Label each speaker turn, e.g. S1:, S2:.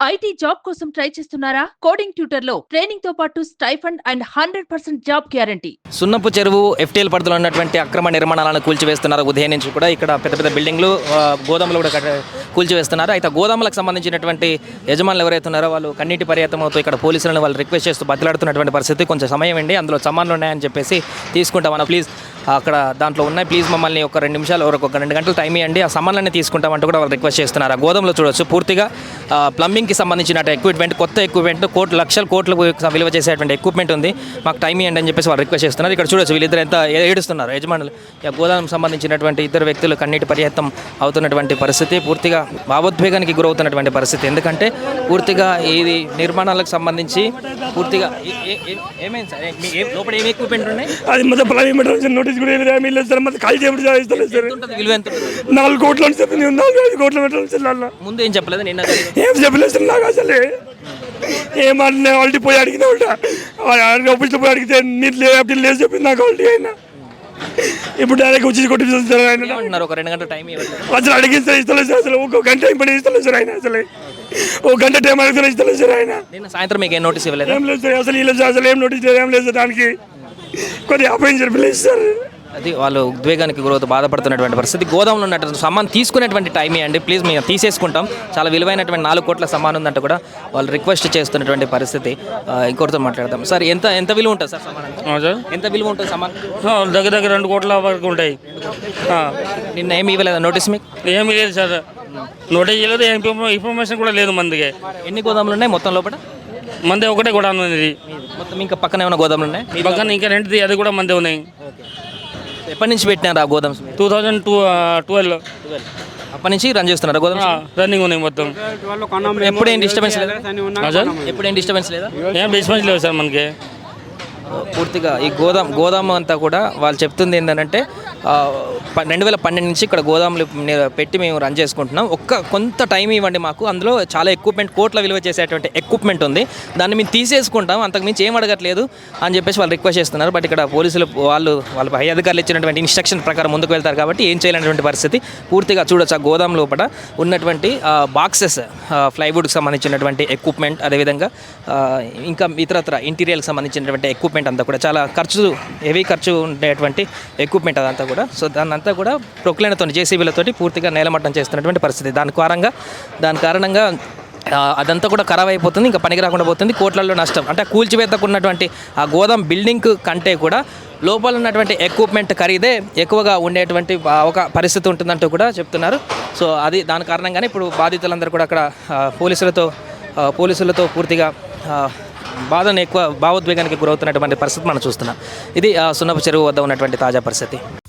S1: IT job కోసం try చేస్తున్నారా? Coding tutor లో ట్రైనింగ్ తో పాటు స్టైఫండ్ అండ్ 100% జాబ్ గ్యారంటీ.
S2: సున్నపు చెరువు ఎఫ్టీఎల్ పరిధిలో ఉన్నటువంటి అక్రమ నిర్మాణాలను కూల్చివేస్తున్నారు. ఉదయం నుంచి కూడా ఇక్కడ పెద్ద పెద్ద బిల్డింగ్లు, గోదాములు కూడా కూల్చివేస్తున్నారు. అయితే గోదాములకు సంబంధించినటువంటి యజమానులు ఎవరైతే ఉన్నారో వాళ్ళు కన్నీటి పర్యాతమవుతూ ఇక్కడ పోలీసులను వాళ్ళు రిక్వెస్ట్ చేస్తూ బతిలాడుతున్నటువంటి పరిస్థితి. కొంచెం సమయం అండి, అందులో సమాన్లు ఉన్నాయని చెప్పేసి తీసుకుంటామన్నా ప్లీజ్, అక్కడ దాంట్లో ఉన్నాయి, ప్లీజ్ మమ్మల్ని ఒక 2 నిమిషాలు ఒక 2 గంటలు టైం ఇవ్వండి, ఆ సమాన్లన్నీ తీసుకుంటామంటూ కూడా వాళ్ళు రిక్వెస్ట్ చేస్తున్నారు. ఆ గోదాంలో చూడొచ్చు పూర్తిగా ప్లంబింగ్కి సంబంధించిన ఎక్విప్మెంట్, కొత్త ఎక్విప్మెంట్, లక్షల కోట్లకు విలువ చేసేటువంటి ఎక్విప్మెంట్ ఉంది, మాకు టైం ఇవ్వండి అని చెప్పేసి వాళ్ళు రిక్వెస్ట్ చేస్తున్నారు. ఇక్కడ చూడొచ్చు వీళ్ళిద్దరు ఎంత ఏడుస్తున్నారు యజమానులు. గోదాం సంబంధించినటువంటి ఇద్దరు వ్యక్తులు కన్నీటి పర్యాప్తం అవుతున్నటువంటి పరిస్థితి, పూర్తిగా భావోద్వేగానికి గురవుతున్నటువంటి పరిస్థితి. ఎందుకంటే పూర్తిగా ఇది నిర్మాణాలకు సంబంధించి పూర్తిగా ఏమైంది సార్, లోపల ఏమి ఎక్విప్మెంట్ ఉన్నాయి?
S3: అది మొత్తం ప్లానింగ్ నోటీస్ కూడా లేదు సార్, మొత్తం ఖాళీ చేయడం సార్.
S2: విలువ ఎంత?
S3: 4 కోట్లు అని చెప్పింది, 4-5 కోట్ల పెట్టాలి.
S2: ముందు ఏం చెప్పలేదు, నిన్న
S3: ఏం చెప్పలేదు సార్ నాకు అసలు. ఏమన్నా ఆల్రెడీ పోయి అడిగిన ఆఫీస్లో పోయి అడిగితే నీరు లేదు చెప్పింది నాకు ఆల్రెడీ. అయినా ఇప్పుడు డైరెక్ట్ వచ్చి కొట్టించారు సార్. ఆయన
S2: ఒక 2 గంటల టైం
S3: అసలు అడిగింది సార్, ఇస్తలేదు సార్. అసలు ఒక గంట టైం పడి ఇస్తలేదు సార్. ఆయన అసలు ఒక గంట టైం అడిగితే ఇస్తలేదు సార్. ఆయన
S2: నిన్న సాయంత్రం మీకు ఏం నోటీస్ ఇవ్వలేదు?
S3: ఏం లేదు సార్, అసలు ఈ లేదు అసలు ఏం నోటీస్ లేదు, ఏం లేదు సార్. దానికి కొద్దిగా అపాయింట్ లేదు సార్.
S2: అది వాళ్ళు ఉద్వేగానికి గురవుతూ బాధపడుతున్నటువంటి పరిస్థితి. గోదాంలో ఉన్నటువంటి సమాన్ తీసుకునేటువంటి టైం ఇవ్వండి ప్లీజ్, మేము తీసేసుకుంటాం, చాలా విలువైనటువంటి 4 కోట్ల సమాన్ ఉందంటే కూడా వాళ్ళు రిక్వెస్ట్ చేస్తున్నటువంటి పరిస్థితి. ఇంకొకరితో మాట్లాడదాం సార్. ఎంత విలువ ఉంటుంది సార్ సమాన్? ఎంత విలువ ఉంటుంది సమాన్?
S3: దగ్గర 2 కోట్ల వరకు ఉంటాయి.
S2: నిన్న ఏమి ఇవ్వలేదు నోటీస్? మీకు
S3: ఏమి లేదు సార్, నోటీస్ ఇవ్వలేదు, ఇన్ఫర్మేషన్ కూడా లేదు. మందికి
S2: ఎన్ని గోదాములు ఉన్నాయి మొత్తం లోపల?
S3: మంది ఒకటే గోదాం ఉంది
S2: మొత్తం. ఇంకా పక్కన ఏమైనా గోదాములు ఉన్నాయి?
S3: పక్కన ఇంకా రెండుది, అది కూడా మంది ఉన్నాయి.
S2: ఎప్పటి నుంచి పెట్టినారు ఆ గోదామ్స్?
S3: 2012.
S2: అప్పటి నుంచి రన్ చేస్తున్నారు గోదామ్స్?
S3: రన్నింగ్ ఉన్నాయి మొత్తం.
S2: ఎప్పుడేం డిస్టర్బెన్స్ లేదా? ఎప్పుడేం డిస్టర్బెన్స్ లేదా?
S3: ఏం డిస్టర్బెన్స్ లేదు సార్ మనకి.
S2: పూర్తిగా ఈ గోదాం అంతా కూడా వాళ్ళు చెప్తుంది ఏంటంటే 2012 నుంచి ఇక్కడ గోదాములు పెట్టి మేము రన్ చేసుకుంటున్నాం, కొంత టైం ఇవ్వండి మాకు, అందులో చాలా ఎక్విప్మెంట్, కోట్ల విలువ చేసేటువంటి ఎక్విప్మెంట్ ఉంది, దాన్ని మేము తీసేసుకుంటాం, అంతకుమించి ఏం అడగట్లేదు అని చెప్పేసి వాళ్ళు రిక్వెస్ట్ చేస్తున్నారు. బట్ ఇక్కడ పోలీసులు వాళ్ళ పై అధికారులు ఇచ్చినటువంటి ఇన్స్ట్రక్షన్ ప్రకారం ముందుకు వెళ్తారు కాబట్టి ఏం చేయలేనటువంటి పరిస్థితి. పూర్తిగా చూడొచ్చు ఆ గోదాం లోపల ఉన్నటువంటి బాక్సెస్, ప్లైవుడ్కి సంబంధించినటువంటి ఎక్విప్మెంట్, అదేవిధంగా ఇంకా ఇతరత్ర ఇంటీరియర్కి సంబంధించినటువంటి ఎక్విప్మెంట్ అంతా కూడా చాలా హెవీ ఖర్చు ఉండేటువంటి ఎక్విప్మెంట్ అదంతా కూడా. సో దాన్ని అంతా కూడా ప్రొక్లైన్తో, జేసీబీలతోటి పూర్తిగా నేలమట్టం చేస్తున్నటువంటి పరిస్థితి. దాని కారణంగా అదంతా కూడా ఖరాబ్ అయిపోతుంది, ఇంకా పనికి రాకుండా పోతుంది, కోట్లలో నష్టం. అంటే కూల్చివేతకున్నటువంటి ఆ గోదాం బిల్డింగ్ కంటే కూడా లోపల ఉన్నటువంటి ఎక్విప్మెంట్ ఖరీదే ఎక్కువగా ఉండేటువంటి ఒక పరిస్థితి ఉంటుందంటూ కూడా చెప్తున్నారు. సో అది దాని కారణంగానే ఇప్పుడు బాధితులందరూ కూడా అక్కడ పోలీసులతో పూర్తిగా భావోద్వేగానికి గురవుతున్నటువంటి పరిస్థితి మనం చూస్తున్నాం. ఇది సున్నపు చెరువు వద్ద ఉన్నటువంటి తాజా పరిస్థితి.